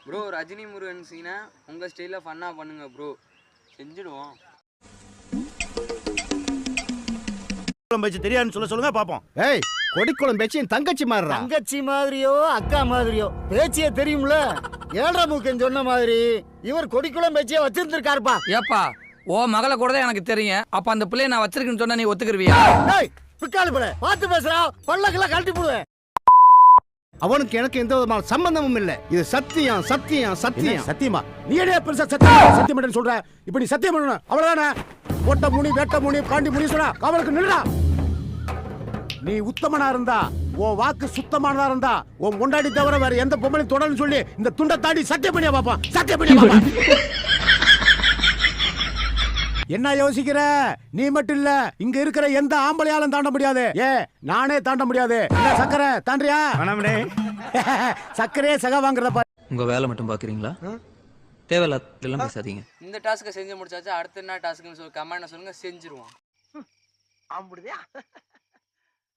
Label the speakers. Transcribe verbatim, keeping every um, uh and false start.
Speaker 1: Bro Rajini Murugan சீனை உங்கள் ஸ்டைலில் ஃபன்னாக பண்ணுங்க ப்ரோ, செஞ்சுடுவோம்.
Speaker 2: பேச்சு தெரியாதுன்னு சொல்ல சொல்லுங்க பாப்போம்.
Speaker 3: ஏய் கொடிக்குளம் பேச்சு என் தங்கச்சி மாதிரி.
Speaker 4: தங்கச்சி மாதிரியோ அக்கா மாதிரியோ பேச்சியே தெரியும்ல. ஏழரை மூக்கன் சொன்ன மாதிரி இவர் கொடிக்குளம் பேச்சியே வச்சிருந்திருக்காருப்பா.
Speaker 5: ஏப்பா ஓ மகளை கூட தான் எனக்கு தெரியும். அப்ப அந்த பிள்ளைய நான் வச்சிருக்கேன்னு சொன்னா நீ ஒத்துக்கிருவியா?
Speaker 4: டேய் பிக்காலி பிள்ளை பார்த்து பேசுறா, பல்லக்கெல்லாம் கழட்டி போடுவேன்.
Speaker 3: அவனுக்கு எனக்கு எந்த விதமான சம்பந்தமும் இல்லை. இது சத்தியம் சத்தியம் சத்தியம்.
Speaker 2: சத்தியமா நீ என்ன பெருசா சத்தியம் சத்தியம் சொல்ற? இப்ப நீ சத்தியம் பண்ணணும் அவ்வளவுதானே? ஓட்ட முனி வேட்ட முனி பாண்டி முனி சொன்னா அவளுக்கு நில்லுடா. நீ உத்தமனா இருந்தா, உன் வாக்கு சுத்தமானதா இருந்தா, உன் முண்டாடி தவிர வேற எந்த பொம்பளையும் தொடர்ந்து சொல்லி இந்த துண்டை தாண்டி சத்தியம் பண்ணியா பாப்பா, சத்தியம் பண்ணியா பாப்பா. என்ன யோசிக்கிற? நீ மட்டும் இல்ல, இங்க இருக்கிற எந்த ஆம்பளையாலும் தாண்ட முடியாது. ஏ நானே தாண்ட முடியாது. சக்கரை தாண்டியா? சக்கரையே சகா வாங்குறத பாரு.
Speaker 6: உங்க வேலை மட்டும் பாக்குறீங்களா? தேவையில்லாம் பேசாதீங்க.
Speaker 1: இந்த டாஸ்க்கை செஞ்சு முடிச்சாச்சு, அடுத்த என்ன டாஸ்க்குன்னு சொல்லி கமெண்ட்ல சொல்லுங்க, செஞ்சிருவோம்.